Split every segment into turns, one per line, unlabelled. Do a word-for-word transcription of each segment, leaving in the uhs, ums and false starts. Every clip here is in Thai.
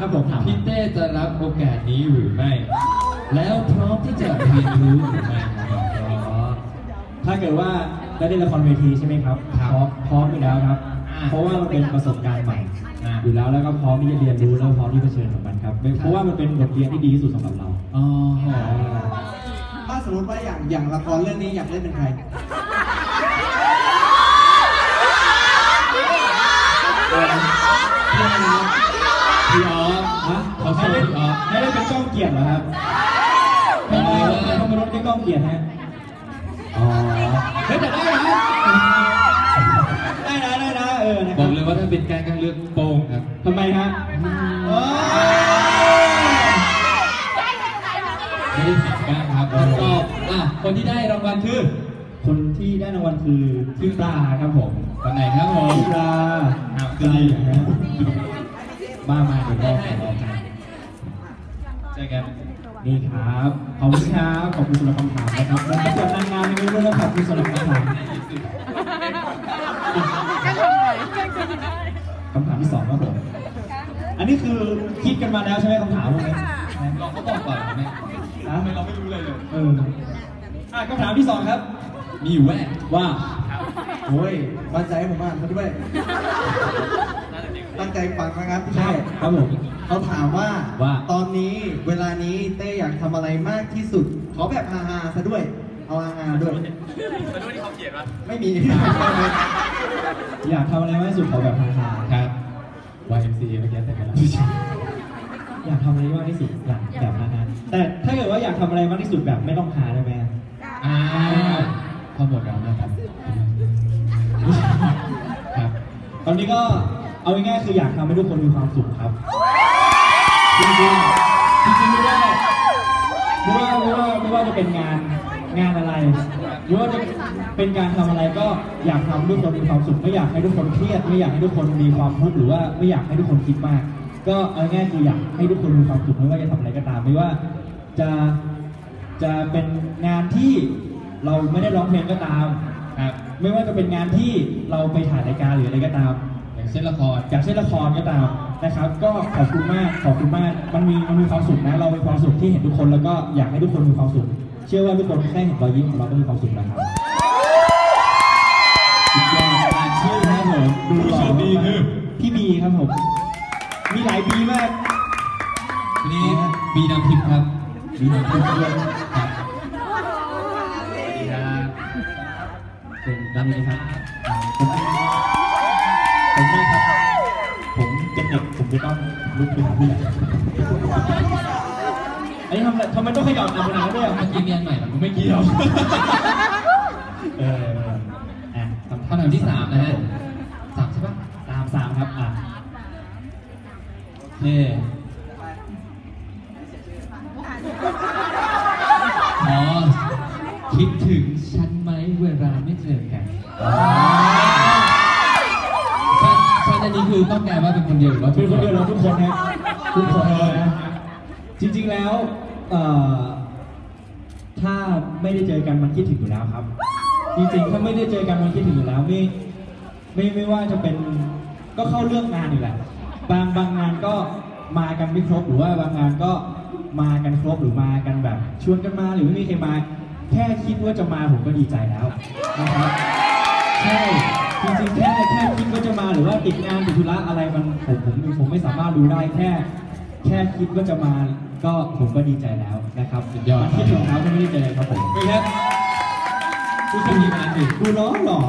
ครับผม
พี่เต้จะรับโอกาสนี้หรือไม่แล้วพร้อมที่จะเรียนรู้หรือไม่ครับ
ถ้าเกิดว่าได้เล่นละครเวทีใช่ไหมครับพร้อมพร้อมอยู่แล้วครับเพราะว่ามันเป็นประสบการณ์ใหม่อยู่แล้วแล้วก็พร้อมที่จะเรียนรู้แล้วพร้อมที่จะเผชิญกับมันครับเพราะว่ามันเป็นบทเรียนที่ดีที่สุดสำหรับเรา
อ๋อ
ถ้าสมมติว่าอย่างอย่างละครเรื่องนี้อยากเล่นเป็นใคร
พี่อ๋อฮะเขาให้เล่นให้เล่นเป็นก้องเกียรติเหรอครับทำไมทำไมรถไม่ก้องเกียรติฮะอ๋อเฮ้ยแต่ได้นะได้นะได้นะเออ
บอกเลยว่าถ้าเป็นการการเลือกโป่งครับ
ทำไมฮะ
ไม่ได้ผิดกันครับก็อ่ะคนที่ได้รางวัลคือ
คนที่ได้รางวัลคือพี่ปลาครับผม
คนไหนครับผม
พี่ปลาคือดีนะมามาเดี๋ยวรอรอกัน
เจอกัน
นี่ครับขอบคุณครับขอบคุณสำหรับคำถามนะครับและประกวดนางงามในวันนี้ด้วยขอบคุณสำหรับคำถามคำถามที่สองครับผมอันนี้คือคิดกันมาแล้วใช่ไหมคำถามพวกนี้
เราก็บอกก่อนไหม
ทำไมเราไม่รู้เลยเลยเอออ่ะคำถามที่สองครับ
มีอยู่แว่
ว่า
โอ้ยมั่นใจผมอ่านเขาด้วยตั้งใจฟังนะครับ
ใช่ครับผม
เขาถามว่า
ว่า
ตอนนี้เวลานี้เต้อยากทำอะไรมากที่สุดขอแบบฮาๆซะด้วยเอาฮาๆด้วย
ซะด้วยที่เขาเขียนว่า
ไม่มี
อยากทำอะไรมากที่สุดขอแบบฮา
ๆครับ วาย เอ็ม ซี เมื่อกี้แต่กันแล้ว
อยากทำอะไรมากที่สุดแบบแบบฮาๆแต่ถ้าเกิดว่าอยากทำอะไรมากที่สุดแบบไม่ต้องฮาได้ไหม
อ่าพอหมดแล้วนะครับ
ครับตอนนี้ก็เอาง่ายๆคืออยากทำให้ทุกคนมีความสุขครับจริงๆจริงๆไม่ว่าไม่ว่าไม่ว่าไม่ว่าจะเป็นงานงานอะไรหรือว่าจะเป็นการทำอะไรก็อยากทำให้ทุกคนมีความสุขไม่อยากให้ทุกคนเครียดไม่อยากให้ทุกคนมีความทุกข์หรือว่าไม่อยากให้ทุกคนคิดมากก็เอาง่ายๆคืออยากให้ทุกคนมีความสุขไม่ว่าจะทำอะไรก็ตามไม่ว่าจะจะเป็นงานที่เราไม่ได้ร้องเพลงก็ตามครับไม่ว่าจะเป็นงานที่เราไปถ่ายรายการหรืออะไรก็ตาม
อย่างเช่นละคร
อย่างเช่นละครก็ตามนะครับก็ขอบคุณมากขอบคุณมากมันมีมันมีความสุขนะเรามีความสุขที่เห็นทุกคนแล้วก็อยากให้ทุกคนมีความสุขเชื่อว่าทุกคนแค่เห็นรอยยิ้มของเราก็มีความสุขแล้วครับอีกอย่างชื่อครับผมดูหล่อดีคือพี่บีครับผมมีหลายบีมาก
นี่บีน้ำทิพย์ครับ
บีน้ำทิพย์ด้วยครับเป็นด้านนี้ครับผมผมมากครับผมเป็นเด็กผมจะต้องลุกไปหาผู้ใหญ่ไอ้ทำอะไรทำไมต้องขยับตามเวลาด้วย
เมื่อกี้เรียนใหม่ผมไม่เกี่ยว
เอออ่ะ
คำถามที่สามนะฮะสามใช่ปะ
สามสามครับอ่ะ
เน่อ๋อคิดถึงฉันไหมเวลาไม่เจอกันฉันฉันอันนี้คือต้องการว่าเป็นคนเดียวหรือว่า
เป็นคนเดียวเราทุกคนนะทุกคนเลยนะจริงๆแล้วถ้าไม่ได้เจอกันมันคิดถึงอยู่แล้วครับจริงๆถ้าไม่ได้เจอกันมันคิดถึงอยู่แล้วไม่ไม่ไม่ว่าจะเป็นก็เข้าเรื่องงานอยู่แหละบางบางงานก็มากันไม่ครบหรือว่าบางงานก็มากันครบหรือมากันแบบชวนกันมาหรือไม่มีใครมาแค่คิดว่าจะมาผมก็ดีใจแล้วนะครับใช่จริงๆแค่แค่คิดว่าจะมาหรือว่าติดงานติดธุระอะไรมันผมผมผมไม่สามารถรู้ได้แค่แค่คิดว่าจะมาก็ผมก็ดีใจแล้วนะครับ
สุดยอด
คิดถึงเขาก็ไม่ได้เจอครับผม
ไม่ครับผู้ชมดีงานดิ
ดูล้อหล่อ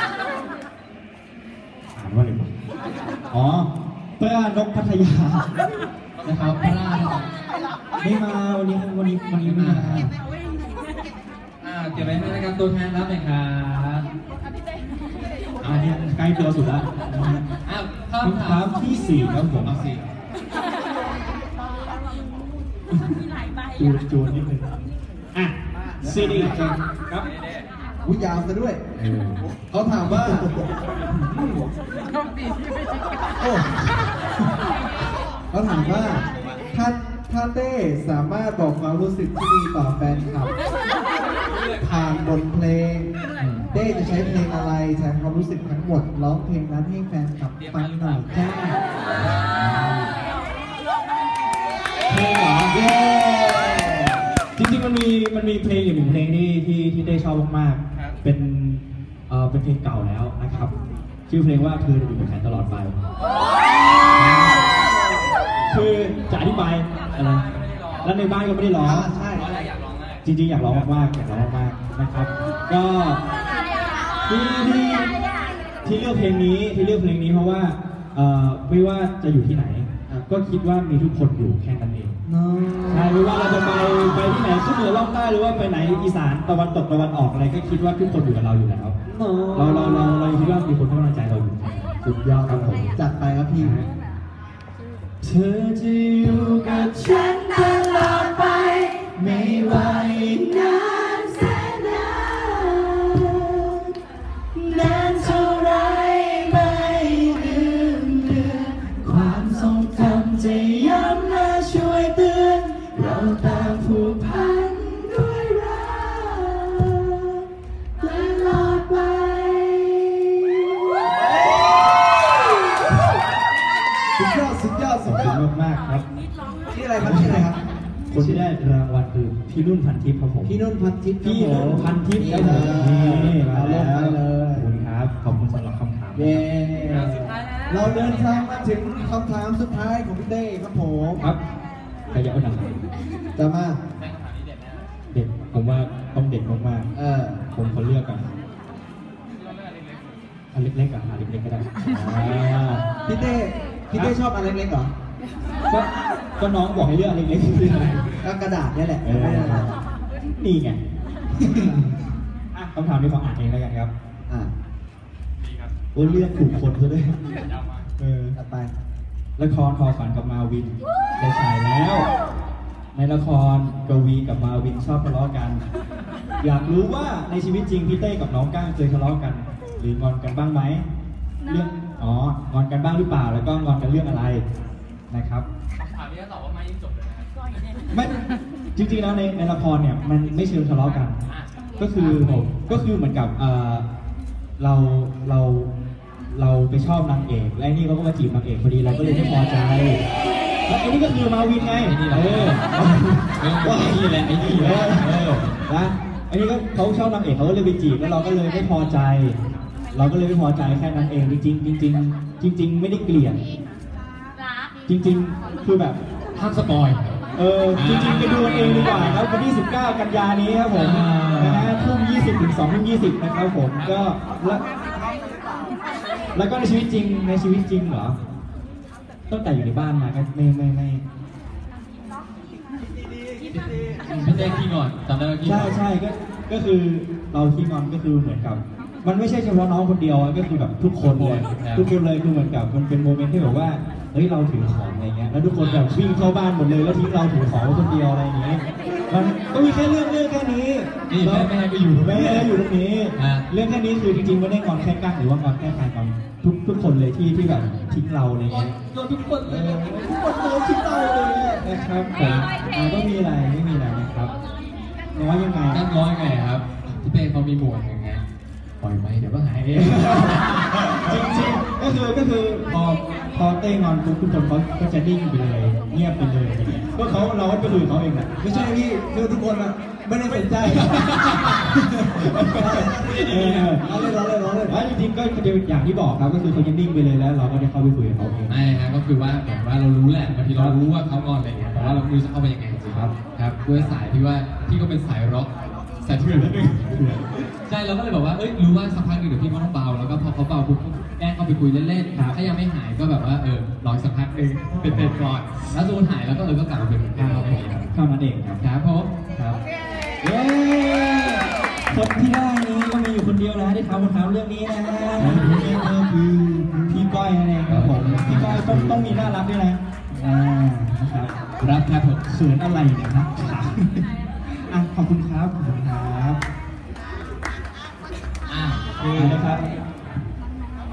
อ่านว่าอะไรบ้างอ๋อเพื่อนกพัทยา
นะครับพลาด
ไม่มาวันนี้วันนี้วันนี้ไม่มา
อ่าเก็บไว้ให้นะครับตัวแทนรับหน่อยครับ
อันนี้ใกล้ตัวสุดแล้ว
อ้าว
คำถามที่สี่ครับผม
เอาสี่
จูนจูนนิดนึงอ่ะซีดีครับ
วุ้ยยาวซะด้วยเขาถามว่าเขาถามว่าถ้าถ้าเต้สามารถบอกความรู้สึกที่มีต่อแฟนคลับผ่านบทเพลงเต้จะใช้เพลงอะไรแทนความรู้สึกทั้งหมดร้องเพลงนั้นให้แฟนคลับฟังหน่อยจ้า
มันมีเพลงอยู่หนึ่งเพลงที่ที่ที่ได้ชอบมากๆเป็นเอ่อเป็นเพลงเก่าแล้วนะครับชื่อเพลงว่าเธอจะอยู่กับฉันตลอดไปคือจะอธิบายอะไรแล้วในบ้านก็ไม่ได้ร้อง
ใช่
จริงๆอยากร้องมากๆอยากร้องมากๆนะครับ ก็ที่ที่ที่เลือกเพลงนี้ที่เลือกเพลงนี้เพราะว่าเอ่อไม่ว่าจะอยู่ที่ไหน ก็คิดว่ามีทุกคนอยู่แค่นั้นเองใช่ไม่ว่าเราจะไปไปที่ไหนขึ้นเหนือล่องใต้หรือว่าไปไหนอีสานตะวันตกตะวันออกอะไรก็คิดว่าทุกคนอยู่กับเราอยู่แล้วเราเราเราเราคิดว่ามีคนให้กำลังใจเราอยู่สุดยอดครับผม
จัดไปครับพี่
เธอจะอยู่กับฉันตลอดไปไม่ว่าอีกนานแสนนานนานเท่าไรไม่ลืมเลือนความทรงจำจะย้ำและช่วยเตือนเราต่างผูกพันด้วยรักตลอดไป
สุดยอดสุดยอดสุดยอด
มากๆครับ
ชื่ออะไรครับชื่ออะไรครับ
คนที่ได้รางวัลคือพี่นุ่นพันทิพย์ครับผม
พี่นุ่นพันทิพย์
พี่นุ่นพันทิพย์ครับผมนี่มาแล้วขอบคุณครับขอบคุณสำหรับคำถาม
เย้เราเดินทางมาถึงคำถามสุดท้ายของพี่เต้ครับผม
ครับใครอยากเอาหนัง
จะมา
เด็ดผมว่าต้องเด็ดมากๆ
เออ
ผมเขาเลือกกันอันเล็กๆกับอันเล็กๆก็ได้
พี่เต้พี่เต้ชอบอันเล็กๆเหรอ
ก็ก็น้องบอกให้เลือกอันเล็กๆ
ก็กระดาษนี่แหละ
นี่ไงคำถามนี้ขออ่านเองแล้วกันครับ
อ่า
โอ้เลือกถูกคนซะด้วยเออ
ต่อไป
ละครทอฝันกับมาวินได้ฉายแล้ว ในละครกวีกับมาวินชอบทะเลาะกันอยากรู้ว่าในชีวิตจริงพี่เต้กับน้องก้างเคยทะเลาะกันหรืองอนกันบ้างไหมเรื่องอ๋องอนกันบ้างหรือเปล่าแล้วก็งอนกันเรื่องอะไรนะครับ
ถามนี้ก็ตอบว่าไม่ยิ่งจบเลยนะ
ไม่จริงๆแล้วในในละครเนี่ยมันไม่เชิงทะเลาะกันก็คือผมก็คือเหมือนกับเออเราเราเราไปชอบนางเอกและนี่เขาก็มาจีบนางเอกพอดีเราก็เลยไม่พอใจแล้วไอ้นี่ก็คือมาวินไงเออว่าไอ้นี่แหละไอ้นี่เออเออนะไอ้นี่ก็เขาชอบนางเอกเขาก็เลยไปจีบแล้วเราก็เลยไม่พอใจเราก็เลยไม่พอใจแค่นั้นเองจริงๆจริงๆจริงๆไม่ได้เกลียดจริงๆคือแบบ
ห้ามสปอย
เออจริงๆไปดูเองดีกว่าครับวันที่สิบเก้ากันยานี้ครับผมนะฮะทุ่มยี่สิบถึงสองทุ่มยี่สิบนะครับผมก็แล้วแล้วก็ในชีวิตจริงในชีวิตจริงเหรอตั้งแต่อยู่ในบ้านมาก็ไม่ไม่ไม่
พี่เต้ขี้งอนจำได้ไหมขี้งอน
ใช่ใช่ก็ก็คือเราขี้งอนก็คือเหมือนกับมันไม่ใช่เฉพาะน้องคนเดียวก็คือแบบทุกคนเลยทุกคนเลยคือเหมือนกับมันเป็นโมเมนต์ที่แบบว่าเฮ้ยเราถือของอะไรเงี้ยแล้วทุกคนแบบวิ่งเข้าบ้านหมดเลยแล้วทิ้งเราถือของไว้คนเดียวอะไรอย่างเงี้ยมันก็มีแค่เรื่องเรื่องแค่นี้
นี่แม่แม่ก็อยู่
แม่อยู่ตรงนี้เรื่องแค่นี้คือจริงๆไม่ได้งอนแค่กั้งหรือว่างอนแค่ใครงอนทุกทุกคนเลยที่ที่แบบทิ้งเราอะไรเงี้ย
ทุกคนเลย
ทุกคนเลยทิ้งเราเลยนะครับผมก็มีอะไรไม่มีอะไรนะครับน้อยยังไง
กั้งน้อยไงครับพี่เต้เขามีหมวดยังไงปล่อยไปเดี๋ยวก็หายเอง
จริงๆก็คือก็คือพอพอเต้งอนทุกทุกคนเขาก็จะนิ่งไปเลยเงียบไปเลยก็เขาเราก็ไปคุยเขาเองแหละ
ไม่ใช่พี่คือทุกคนอะไม่ได้สนใจเราเลยเราเลยเราเลย
ว่าจริงๆก็อย่างที่บอกครับก็คือเขาจะนิ่งไปเลยแล้วเราก็ได้เข้าไปคุยกับเขาเอง
ไม่ครับก็คือว่าแบบว่าเรารู้แหละบางทีเรารู้ว่าเขางอนอะไรเงี้ยแต่ว่าเราไม่รู้จะเข้าไปยังไงจริงครับครับด้วยสายที่ว่าพี่ก็เป็นสายร็อกสายเถื่อนนิดนึงใช่เราก็เลยบอกว่าเอ้ยรู้ว่าสักพักหนึ่งเดี๋ยวพี่มันต้องเบาแล้วก็พอเขาเบาปุ๊บแกล้งเข้าไปคุยเล่นๆถ้ายังไม่หายก็แบบว่าเออรอสักพักหนึ่งเป็นเต็มก่อนแล้วสมมติหายแล้วก็เออก็กลับมาเป็นเหมือนเดิม
เท่านั้นเองครับ
ครับผม
ครับเย้คนที่ได้นี้ก็มีอยู่คนเดียวนะที่ทำคำถามเรื่องนี้นะฮะนี่ก็คือพี่ก้อยนั่นเองครับผมพี่ก้อยต้องต้องมีน่ารักด้วยนะอ่านะครับ
รับครับผม
เขินอะไรเนี่ยครับอ่ะขอบคุณครับขอบคุณครับอ่าโอเคนะครับ